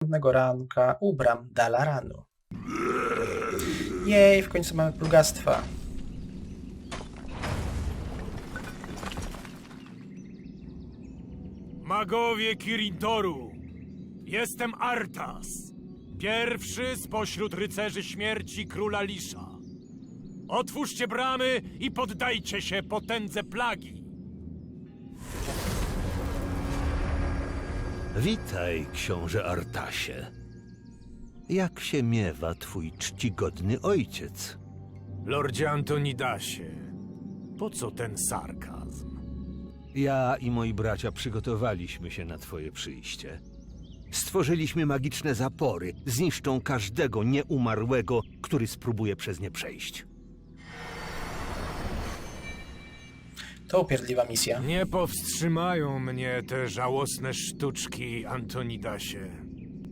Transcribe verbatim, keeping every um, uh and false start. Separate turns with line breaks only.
następnego ranka u bram Dalaranu. Jej, w końcu mamy plugastwa.
Magowie Kirintoru, jestem Arthas, pierwszy spośród rycerzy śmierci króla Lisza. Otwórzcie bramy i poddajcie się potędze plagi.
Witaj, książę Artasie. Jak się miewa twój czcigodny ojciec?
Lordzie Antonidasie, po co ten sarkazm?
Ja i moi bracia przygotowaliśmy się na twoje przyjście. Stworzyliśmy magiczne zapory, zniszczą każdego nieumarłego, który spróbuje przez nie przejść.
To upierdliwa misja.
Nie powstrzymają mnie te żałosne sztuczki, Antonidasie.